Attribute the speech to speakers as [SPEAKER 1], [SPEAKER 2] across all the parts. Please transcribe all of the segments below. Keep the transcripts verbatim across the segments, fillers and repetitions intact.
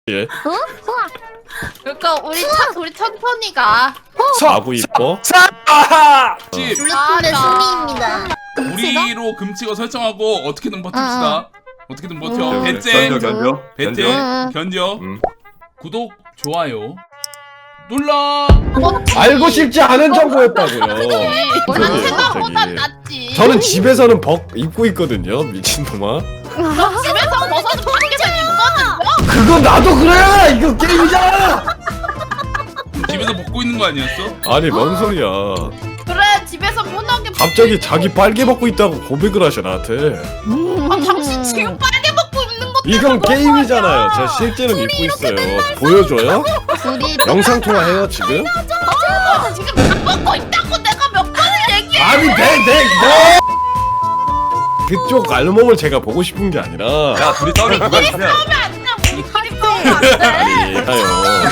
[SPEAKER 1] 예.
[SPEAKER 2] 어? 우와.
[SPEAKER 3] 그러니까 우리 차, 우리 천천히 가.
[SPEAKER 1] 사고 이뻐.
[SPEAKER 4] 집
[SPEAKER 2] 블루톤의 승리입니다.
[SPEAKER 4] 우리로 금치고 설정하고 어떻게든 버팁시다. 어떻게든 버텨.
[SPEAKER 2] 음.
[SPEAKER 4] 배째,
[SPEAKER 5] 견뎌 견뎌
[SPEAKER 4] 배째,
[SPEAKER 2] 견뎌.
[SPEAKER 4] 견뎌.
[SPEAKER 5] 음.
[SPEAKER 4] 구독, 좋아요 눌러.
[SPEAKER 1] 알고 싶지 않은 정보였다고요.
[SPEAKER 3] 원래
[SPEAKER 1] 그러게요,
[SPEAKER 3] 생각보다
[SPEAKER 1] 갑자기.
[SPEAKER 3] 낫지.
[SPEAKER 1] 저는 집에서는 벗 입고 있거든요, 미친놈아.
[SPEAKER 3] 너 집에서 벗어도 밖에서 입거든요.
[SPEAKER 1] 그건 나도 그래. 이거 게임이잖아.
[SPEAKER 4] 집에서 먹고 있는 거 아니었어?
[SPEAKER 1] 아니 뭔 소리야?
[SPEAKER 3] 그래 집에서 편하게.
[SPEAKER 1] 갑자기 자기 빨개 벗고 있다고 고백을 하셔 나한테.
[SPEAKER 3] 아, 당신 지금 빨개 먹고 있는 거.
[SPEAKER 1] 이건 게임이잖아요. 저 실제는 입고 있어요. 보여줘요?
[SPEAKER 2] 둘이
[SPEAKER 1] 영상 통화해요 지금?
[SPEAKER 3] 아, 지금 밥 먹고 있다고 내가 몇 번을 얘기해.
[SPEAKER 1] 아니 내내 뭐? 그쪽 알몸을 제가 보고 싶은 게 아니라.
[SPEAKER 5] 야 둘이 싸우면 누가 이기냐
[SPEAKER 3] 싸우면 안 돼. 우리끼리 싸우면 안 돼.
[SPEAKER 1] 아니 하요.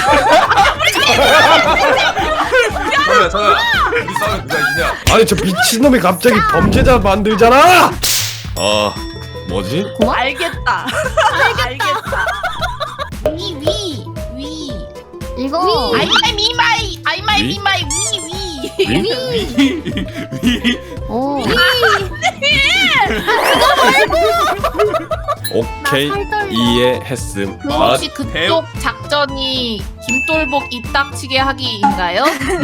[SPEAKER 5] 잠깐만 잠깐만 둘이 싸우면 누가 이기냐
[SPEAKER 1] 아니 저 미친놈이 갑자기 범죄자 만들잖아. 아 뭐지?
[SPEAKER 3] 알겠다. 알겠다. 위, 위, 위.
[SPEAKER 2] 이거
[SPEAKER 3] 아이마이 미마이, 아이마이
[SPEAKER 1] 위?
[SPEAKER 3] 미마이 위, 위.
[SPEAKER 1] 위?
[SPEAKER 4] 위.
[SPEAKER 2] 오.
[SPEAKER 1] 오케이
[SPEAKER 2] 살떨려.
[SPEAKER 1] 이해했음. 아,
[SPEAKER 3] 혹시 그쪽 작전이 김돌복 입닥치게 하기인가요?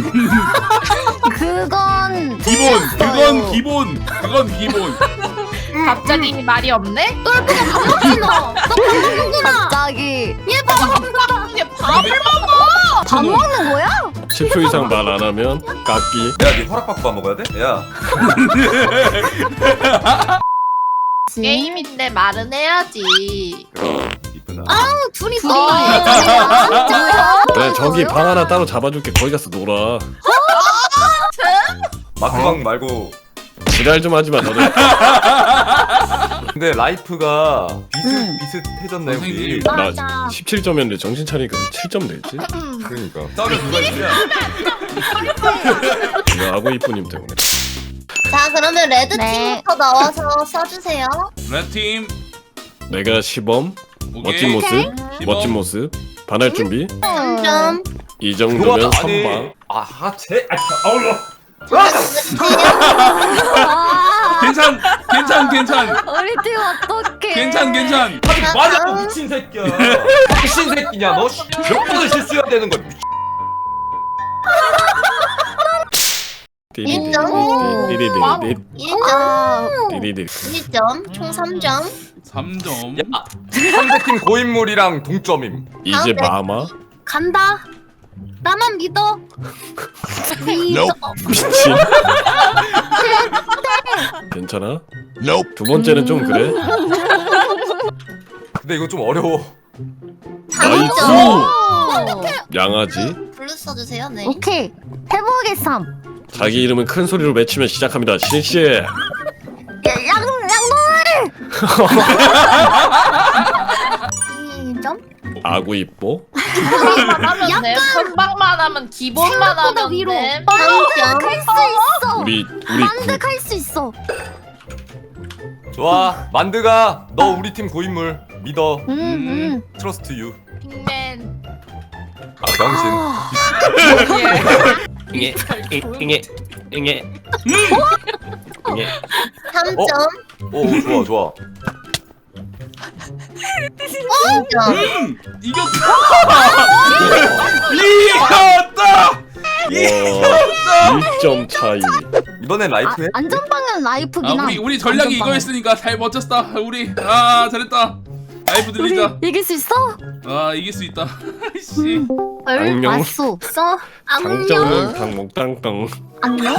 [SPEAKER 2] 그건
[SPEAKER 4] 기본, 그건
[SPEAKER 2] 됐어요.
[SPEAKER 4] 기본, 그건 기본.
[SPEAKER 3] 갑자기 말이 없네?
[SPEAKER 2] 너 갑자기
[SPEAKER 3] 얘 밥을 이제 밥을 먹어.
[SPEAKER 2] 밥 먹는 거야?
[SPEAKER 1] 십 초 이상 말 안 하면 깎기.
[SPEAKER 5] 야니 허락받고 밥 먹어야 돼? 야
[SPEAKER 3] 게임인데 말은 해야지.
[SPEAKER 5] 그럼 이쁘나
[SPEAKER 2] 아우 둘이 둘이
[SPEAKER 1] 그래 저기 방 하나 따로 잡아줄게. 거기 가서 놀아.
[SPEAKER 5] 마크방 말고
[SPEAKER 1] 지랄 좀 하지 마 너네.
[SPEAKER 5] 근데 라이프가 비슷
[SPEAKER 2] 음.
[SPEAKER 5] 비슷해졌네 우리
[SPEAKER 4] 선생님.
[SPEAKER 2] 맞아.
[SPEAKER 1] 나 십칠 점이었는데 정신 차리니까 칠 점 냈지?
[SPEAKER 5] 그러니까 싸우면 누가 이기냐
[SPEAKER 1] 이거 아고 이쁘님 때문에.
[SPEAKER 6] 자 그러면 레드
[SPEAKER 2] 네.
[SPEAKER 6] 팀부터 나와서 써주세요.
[SPEAKER 4] 레드팀
[SPEAKER 1] 내가 시범
[SPEAKER 4] 오케이.
[SPEAKER 1] 멋진 모습
[SPEAKER 4] 시범.
[SPEAKER 1] 멋진 모습 반할 준비
[SPEAKER 6] 삼 점.
[SPEAKER 1] 이 정도면
[SPEAKER 5] 그거 아니.
[SPEAKER 1] 선방.
[SPEAKER 5] 아하체 아울러
[SPEAKER 4] 괜찮, 괜찮, 괜찮,
[SPEAKER 2] 우리 팀 어떡해?
[SPEAKER 4] 괜찮, 괜찮.
[SPEAKER 5] 맞아 미친 새끼야 미친 새끼냐 너 몇 번을 실수해야 되는 거야
[SPEAKER 6] 인정.
[SPEAKER 1] 띠리디리디
[SPEAKER 6] 일 점.
[SPEAKER 2] 아,
[SPEAKER 1] 띠리디.
[SPEAKER 6] 일 점. 총 삼 점.
[SPEAKER 4] 삼 점.
[SPEAKER 5] 야 상대팀 고인물이랑 동점임
[SPEAKER 1] 이제 마마.
[SPEAKER 2] 간다. 나만 믿어. 믿어.
[SPEAKER 1] 미친. 괜찮아? 두 번째는 좀 그래.
[SPEAKER 5] 근데 이거 좀 어려워
[SPEAKER 1] 나이스.
[SPEAKER 6] 점.
[SPEAKER 1] 양아지.
[SPEAKER 6] 블루 써주세요. 네.
[SPEAKER 2] 오케이 해보겠삼.
[SPEAKER 1] 자기 이름은 큰 소리로 외치면 시작합니다. 실시.
[SPEAKER 2] 양 양놀.
[SPEAKER 6] 이 점.
[SPEAKER 1] 아구 이뻐.
[SPEAKER 3] 하면 돼. 선방만 하면 기본만
[SPEAKER 2] 생각보다
[SPEAKER 3] 하면
[SPEAKER 2] 위로.
[SPEAKER 3] 돼.
[SPEAKER 6] 삼 점.
[SPEAKER 2] 갈 수 있어.
[SPEAKER 1] 우리 우리
[SPEAKER 2] 만득할 수 있어.
[SPEAKER 5] 좋아 만드가 너 우리 팀 고인물 믿어
[SPEAKER 2] 음 음.
[SPEAKER 5] 트러스트 유
[SPEAKER 3] 빅맨.
[SPEAKER 5] 아 병신
[SPEAKER 1] 응애 응애 응애 응애.
[SPEAKER 6] 삼
[SPEAKER 5] 어?
[SPEAKER 6] 점.
[SPEAKER 5] 오 좋아 좋아
[SPEAKER 6] 이 점.
[SPEAKER 4] 음, 이겼다. 이겼다.
[SPEAKER 1] 와, 일 점 차이.
[SPEAKER 5] 이번엔
[SPEAKER 2] 아,
[SPEAKER 5] 라이프 해?
[SPEAKER 2] 안전방은 라이프긴
[SPEAKER 4] 아,
[SPEAKER 2] 함.
[SPEAKER 4] 우리 우리 전략이
[SPEAKER 2] 안전방은.
[SPEAKER 4] 이거였으니까 잘 버텼다. 우리 아 잘했다. 라이프 들리자.
[SPEAKER 2] 우리 이길 수 있어?
[SPEAKER 4] 아 이길 수 있다. 씨.
[SPEAKER 2] 얼
[SPEAKER 1] 안녕.
[SPEAKER 2] 왔어. 써. 안녕.
[SPEAKER 1] 장정은 강목땅땅.
[SPEAKER 2] 안녕.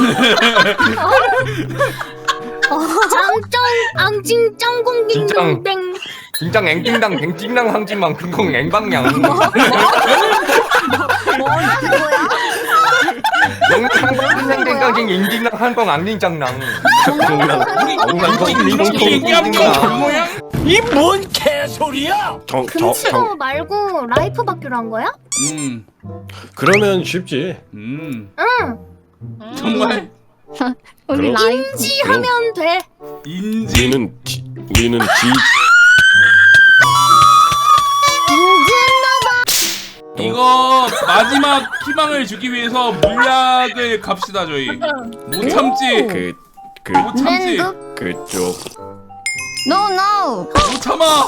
[SPEAKER 2] 장정 앙징 짱공긴
[SPEAKER 5] 진짱.
[SPEAKER 2] 땡.
[SPEAKER 5] 긴장 앵띵당 뱅찡당 항진만 근공 앵방냥
[SPEAKER 2] 뭐라는 거야?
[SPEAKER 5] 영상방생댕강징 인딩당 한방 앙닝짱랑
[SPEAKER 1] 이뭔 개소리야? 정, 정,
[SPEAKER 2] 금치고
[SPEAKER 1] 정.
[SPEAKER 2] 말고 라이프 받기로 한 거야?
[SPEAKER 4] 음,
[SPEAKER 1] 그러면 쉽지.
[SPEAKER 4] 음.
[SPEAKER 2] 응.
[SPEAKER 4] 정말
[SPEAKER 2] 우리
[SPEAKER 1] 그럼-
[SPEAKER 2] 라이프 인지하면 돼.
[SPEAKER 4] 인지.
[SPEAKER 1] 우리는 지, 우리는 지.
[SPEAKER 2] 인지했나봐.
[SPEAKER 4] 마지막 희망을 주기 위해서 물약을 갑시다 저희. 못 참지.
[SPEAKER 1] 그, 그,
[SPEAKER 4] 못 참지.
[SPEAKER 2] 랜드?
[SPEAKER 1] 그쪽.
[SPEAKER 2] No no.
[SPEAKER 4] 못 참아.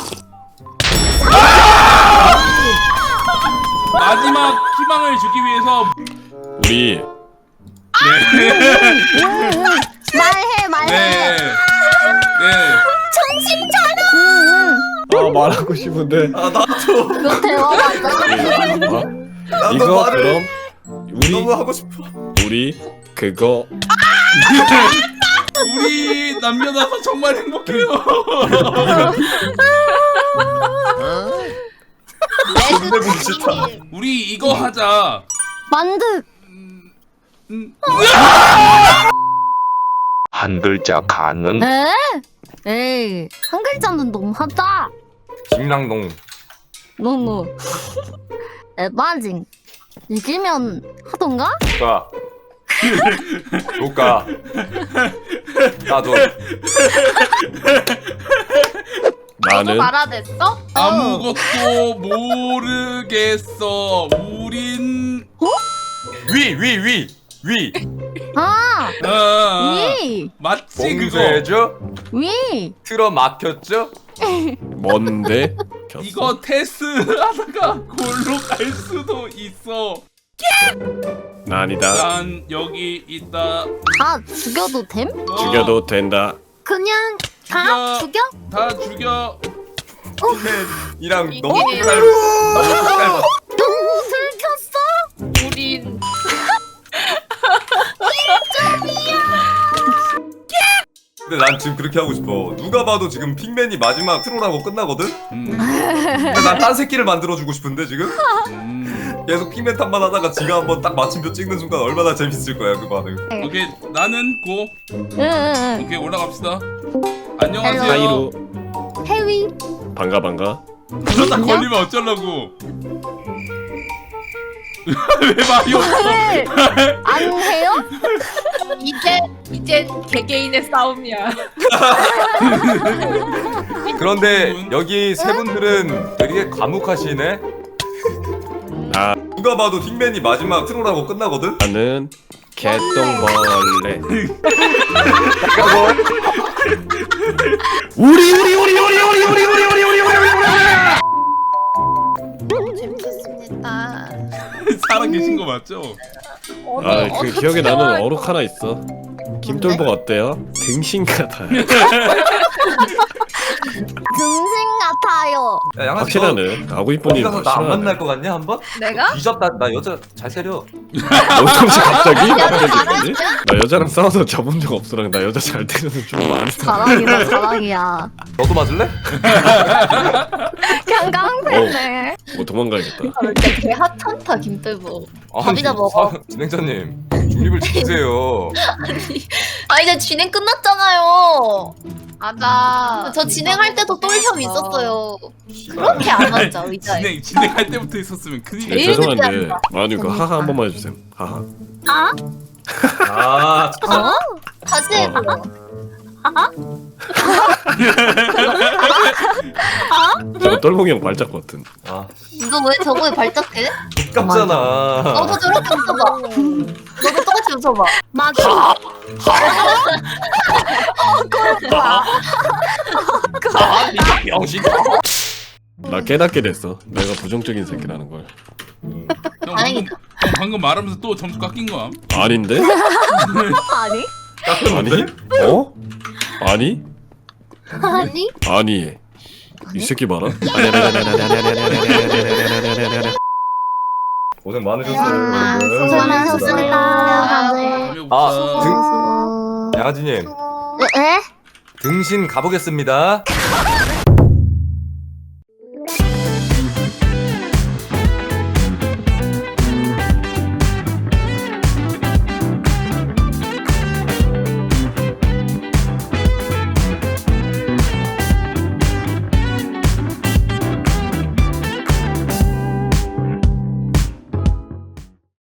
[SPEAKER 4] 마지막 희망을 주기 위해서
[SPEAKER 1] 우리
[SPEAKER 2] 말해 말해.
[SPEAKER 4] 네. 네.
[SPEAKER 2] 정신 차려. 응,
[SPEAKER 1] 아 말하고 싶은데.
[SPEAKER 5] 아 나도
[SPEAKER 2] 응. 너 대화 맞아?
[SPEAKER 1] 어?
[SPEAKER 5] 나도
[SPEAKER 1] 이거
[SPEAKER 5] 말을
[SPEAKER 1] 그럼 우리
[SPEAKER 5] 너무 하고 싶어.
[SPEAKER 1] 우리 그거
[SPEAKER 4] 우리 남녀나서 정말 행복해요.
[SPEAKER 5] 근데 보기 싫다.
[SPEAKER 4] 우리 이거 하자.
[SPEAKER 2] 만두.
[SPEAKER 4] 음,
[SPEAKER 7] 한 글자 가능.
[SPEAKER 2] 에? 에이 한 글자는 너무하다.
[SPEAKER 5] 김랑동.
[SPEAKER 2] 너무 에바징. 이기면 하던가?
[SPEAKER 5] 가. 누가? 나도.
[SPEAKER 3] 너도
[SPEAKER 1] 나는
[SPEAKER 3] 말아댔어?
[SPEAKER 4] 아무것도 모르겠어. 우린
[SPEAKER 5] 위 위 위 위.
[SPEAKER 2] 아
[SPEAKER 4] 아,
[SPEAKER 2] 위.
[SPEAKER 4] 맞지 그거.
[SPEAKER 5] 봉쇄죠?
[SPEAKER 2] 위.
[SPEAKER 5] 틀어 막혔죠?
[SPEAKER 1] 뭔데? 켰어.
[SPEAKER 4] 이거 테스트 하다가 골로 갈 수도 있어.
[SPEAKER 1] 아니다.
[SPEAKER 4] 난 여기 있다.
[SPEAKER 2] 다 죽여도 됨?
[SPEAKER 4] 어,
[SPEAKER 1] 죽여도 된다.
[SPEAKER 2] 그냥 다
[SPEAKER 4] 죽여.
[SPEAKER 2] 죽여?
[SPEAKER 4] 다 죽여.
[SPEAKER 5] 이랑
[SPEAKER 3] 이게-
[SPEAKER 5] 너무 헷갈려. 너무 헷갈려.
[SPEAKER 2] 너무 들켰어?
[SPEAKER 3] 우린
[SPEAKER 5] 근데 난 지금 그렇게 하고 싶어. 누가 봐도 지금 핑맨이 마지막 트롤하고 끝나거든?
[SPEAKER 4] 음,
[SPEAKER 5] 근데 난 딴 새끼를 만들어주고 싶은데 지금?
[SPEAKER 4] 음.
[SPEAKER 5] 계속 핑맨 탓만 하다가 지가 한번 딱 마침표 찍는 순간 얼마나 재밌을 거야 그 반응.
[SPEAKER 4] 오케이 나는 고.
[SPEAKER 2] 응응응.
[SPEAKER 4] 오케이 올라갑시다. 안녕하세요.
[SPEAKER 1] 사이로
[SPEAKER 2] 해위.
[SPEAKER 1] 반가 반가.
[SPEAKER 4] 그러다 걸리면 어쩌려고. 왜 말이 없어?
[SPEAKER 2] 왜? 안 해요?
[SPEAKER 3] 이제 이제 개개인의 싸움이야.
[SPEAKER 5] 그런데 여기 세 분들은 되게 과묵하시네?
[SPEAKER 1] 나
[SPEAKER 5] 누가 봐도 핑맨이 마지막 트롤하고 끝나거든?
[SPEAKER 1] 나는 개똥벌레. 우리 우리 우리 우리 우리 우리 우리 우리 우리 우리 우리
[SPEAKER 6] 너무 재밌었습니다.
[SPEAKER 4] 살아 계신 거 맞죠?
[SPEAKER 1] 아, 그 기억에 나는 어록 하나 있어. 김돌복 어때요? 등신 같아요.
[SPEAKER 2] 등신 같아요.
[SPEAKER 5] 야 양아
[SPEAKER 1] 확실하네. 아구 이쁜이
[SPEAKER 5] 어디 가서 나 안 만날 것 같냐 한번?
[SPEAKER 3] 내가?
[SPEAKER 5] 뒤졌다. 나 여자 잘 때려.
[SPEAKER 1] 어떻게 갑자기? 갑자기? 나 여자랑 싸워서 접은 적 없어랑 나 여자 잘 때리는 좀 많아.
[SPEAKER 2] 자랑이다 자랑이야.
[SPEAKER 5] 너도 맞을래?
[SPEAKER 2] 그냥 깡패네.
[SPEAKER 1] 뭐 도망가야겠다.
[SPEAKER 6] 개 핫한타 김돌보.
[SPEAKER 5] 아니,
[SPEAKER 6] 밥이나 먹어.
[SPEAKER 5] 사- 진행자님 중립을 지키세요.
[SPEAKER 6] 아 이제 진행 끝났잖아요.
[SPEAKER 3] 맞아.
[SPEAKER 6] 저 진행할 때도 똘혐 있었어요. 그렇게 안 앉아 의자에.
[SPEAKER 4] 진행 진행할 때부터 있었으면 큰일.
[SPEAKER 1] 네,
[SPEAKER 6] 제일
[SPEAKER 1] 죄송한데
[SPEAKER 6] 늦지 않나?
[SPEAKER 1] 아니 그 하하 한 번만 해주세요. 하하.
[SPEAKER 2] 아?
[SPEAKER 5] 아
[SPEAKER 2] 어?
[SPEAKER 6] 다시
[SPEAKER 1] 어.
[SPEAKER 6] 해봐.
[SPEAKER 1] 저거 똘봉이 형 발작 버튼.
[SPEAKER 5] 아,
[SPEAKER 6] 이거 왜 저거에 발작해?
[SPEAKER 5] 똑같잖아.
[SPEAKER 6] 너도 저렇게 웃어봐. 너도 똑같이 웃어봐.
[SPEAKER 2] 맞아.
[SPEAKER 5] 아, 이 병신.
[SPEAKER 1] 나 깨닫게 됐어. 내가 부정적인 새끼라는 걸.
[SPEAKER 4] 형 방금,
[SPEAKER 6] 다행이다.
[SPEAKER 4] 형 방금 말하면서 또 점수 깎인 거야.
[SPEAKER 1] 아닌데?
[SPEAKER 2] 아니?
[SPEAKER 1] 아니? 어? 아니?
[SPEAKER 6] 아니?
[SPEAKER 1] 아니. 이 새끼 봐라. 아니 아니 아니 아니 아니 아니 아니 아니 아니 아니 아니 아니 아니.
[SPEAKER 5] 고생 많으셨어요.
[SPEAKER 2] 아,
[SPEAKER 5] 여러분.
[SPEAKER 2] 수고 많으셨습니다 다들.
[SPEAKER 4] 다음에
[SPEAKER 5] 아,
[SPEAKER 4] 봅시다.
[SPEAKER 5] 등-
[SPEAKER 2] 수고.
[SPEAKER 5] 양아지님
[SPEAKER 2] 에?
[SPEAKER 5] 등신 가보겠습니다.